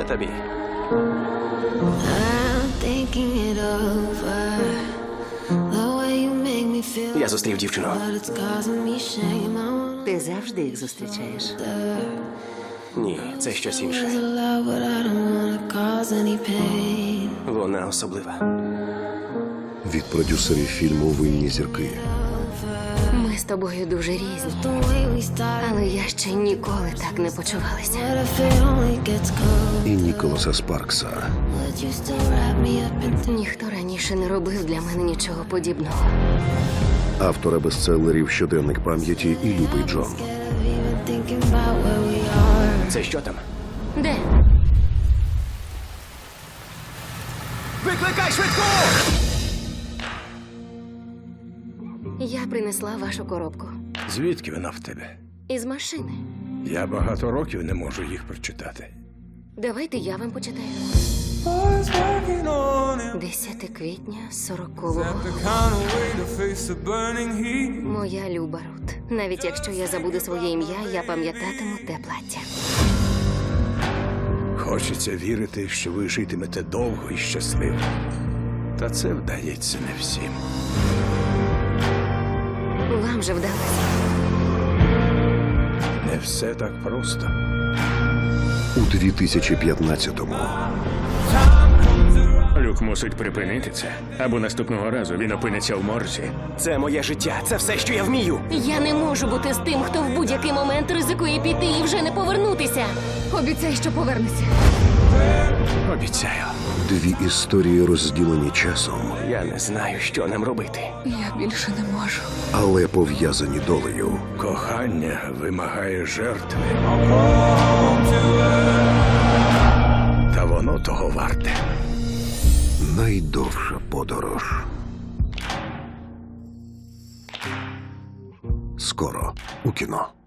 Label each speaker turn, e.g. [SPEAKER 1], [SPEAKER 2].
[SPEAKER 1] тобі.
[SPEAKER 2] I'm thinking it over. The way you make me feel.
[SPEAKER 1] Я зустрів дівчину.
[SPEAKER 2] But it's causing me shame. I wanna
[SPEAKER 3] Ти завжди їх зустрічаєш.
[SPEAKER 1] Ні, це щось інше.
[SPEAKER 2] love, but I don't wanna cause any pain.
[SPEAKER 1] Вона особлива.
[SPEAKER 4] Від продюсерів фільму «Винні зірки»
[SPEAKER 3] Ми з тобою дуже різні,
[SPEAKER 2] The way we started.
[SPEAKER 3] але я ще ніколи так не почувалася.
[SPEAKER 2] What if it only gets cold?
[SPEAKER 4] і Ніколаса Спаркса.
[SPEAKER 2] Would you still wrap me up in
[SPEAKER 3] Ніхто раніше не робив для мене нічого подібного.
[SPEAKER 4] Автора бестселерів «Щоденник пам'яті» і «Любий Джон».
[SPEAKER 2] scared of even thinking about where we are?
[SPEAKER 1] Це що там?
[SPEAKER 3] Де?
[SPEAKER 1] Викликай швидку!
[SPEAKER 3] Я принесла вашу коробку.
[SPEAKER 5] Звідки вона в тебе?
[SPEAKER 3] Із машини.
[SPEAKER 5] Я багато років не можу їх прочитати.
[SPEAKER 3] Давайте я вам почитаю. 10 квітня 40-го. Моя люба Рут. Навіть якщо я забуду своє ім'я, я пам'ятатиму те плаття.
[SPEAKER 5] Хочеться вірити, що ви житимете довго і щасливо. Та це вдається не всім.
[SPEAKER 3] Вам же вдалося.
[SPEAKER 5] Не все так просто.
[SPEAKER 4] У 2015-му
[SPEAKER 6] Люк мусить припинити це, або наступного разу він опиниться в морзі.
[SPEAKER 1] Це моє життя. Це все, що я вмію.
[SPEAKER 3] Я не можу бути з тим, хто в будь-який момент ризикує піти і вже не повернутися. Обіцяй, що повернешся.
[SPEAKER 1] Обіцяю.
[SPEAKER 4] дві історії розділені часом,
[SPEAKER 1] Я не знаю, що нам робити.
[SPEAKER 3] Я більше не можу.
[SPEAKER 4] але пов'язані долею.
[SPEAKER 5] Кохання вимагає жертви. Та воно того варте.
[SPEAKER 4] Найдовша подорож. Скоро у кіно.